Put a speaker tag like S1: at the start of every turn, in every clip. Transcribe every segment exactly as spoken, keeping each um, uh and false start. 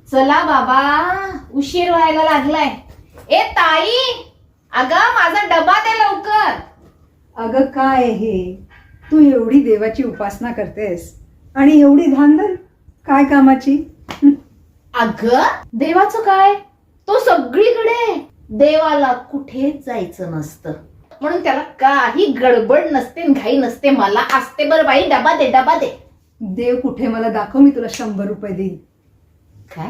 S1: चला बाबा, उशीर व्हायला लागलाय. ए ताई, अगं माझा डबा दे लवकर.
S2: अगं काय हे, तू एवढी देवाची उपासना करतेस आणि एवढी धांदल काय कामाची?
S1: अगं देवाचं काय, तो सगळीकडे आहे. देवाला कुठेच जायचं नसतं, म्हणून त्याला काही गडबड नसते, घाई नसते. मला असते बरं बाई, डबा दे डबा दे.
S2: देव कुठे मला दाखव, मी तुला शंभर रुपये देईन.
S1: काय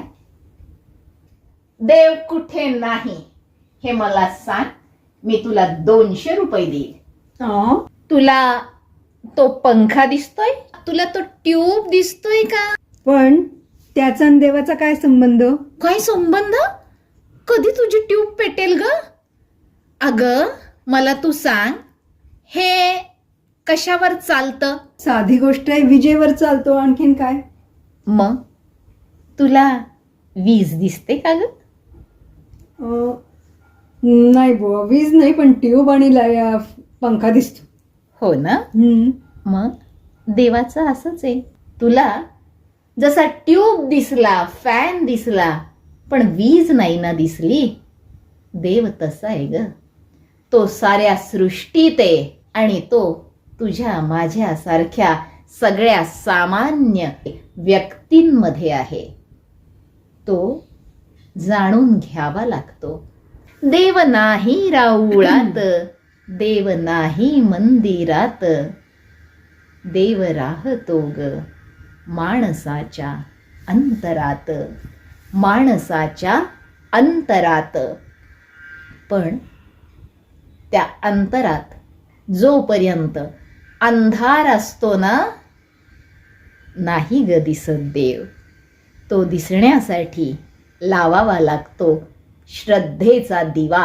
S1: देव कुठे नाही हे मला सांग, मी तुला दोनशे रुपये देईल.
S2: अं?
S1: तुला तो पंखा दिसतोय, तुला तो ट्यूब दिसतोय का?
S2: पण त्याचा आणि देवाचा काय संबंध?
S1: काय संबंध? कधी तुझी ट्यूब पेटेल ग? अग मला तू सांग, हे कशावर चालतं?
S2: साधी गोष्ट आहे, विजेवर चालतो. आणखीन काय?
S1: मग तुला वीज दिसते का ग?
S2: अं, नाही बुवा, वीज नाही, पण ट्यूब आणि ला- पंखा दिसतो.
S1: हो ना.
S2: हम्म.
S1: मग देवाचं असंच आहे. तुला जसा ट्यूब दिसला, फॅन दिसला, पण वीज नाही ना दिसली, देव तसा आहे ग. तो साऱ्या सृष्टीत आहे आणि तो तुझ्या माझ्यासारख्या सगळ्या सामान्य व्यक्तींमध्ये आहे. तो जाणून घ्यावा लागतो. देव नाही राऊळात, देव नाही मंदिरात, देव राहतो ग माणसाच्या अंतरात, माणसाच्या अंतरात. पण त्या अंतरात जोपर्यंत अंधार असतो ना, नाही ग दिसत देव. तो दिसण्यासाठी लावावा लागतो श्रद्धेचा दिवा.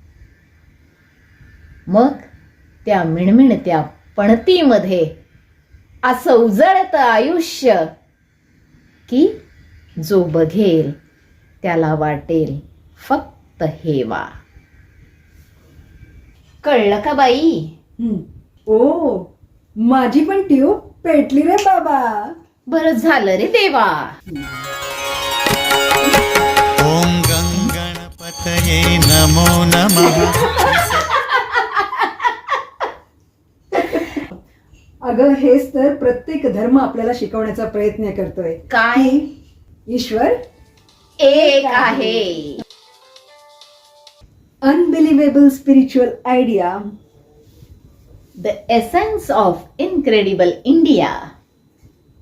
S1: मग त्या मिणमिणत्या पणतीमध्ये असं उजळतं आयुष्य की जो बघेल त्याला वाटेल फक्त हेवा. कळलं का बाई?
S2: हम्म. ओ, माझी पण ट्यूब पेटली रे बाबा.
S1: बरं झालं रे देवा.
S3: ओम गंगणपतये नमो नमः.
S2: अगं हेच तर प्रत्येक धर्म आपल्याला शिकवण्याचा प्रयत्न करतोय.
S1: काय?
S2: की ईश्वर
S1: एक आहे.
S2: Unbelievable spiritual idea.
S1: The essence of incredible India.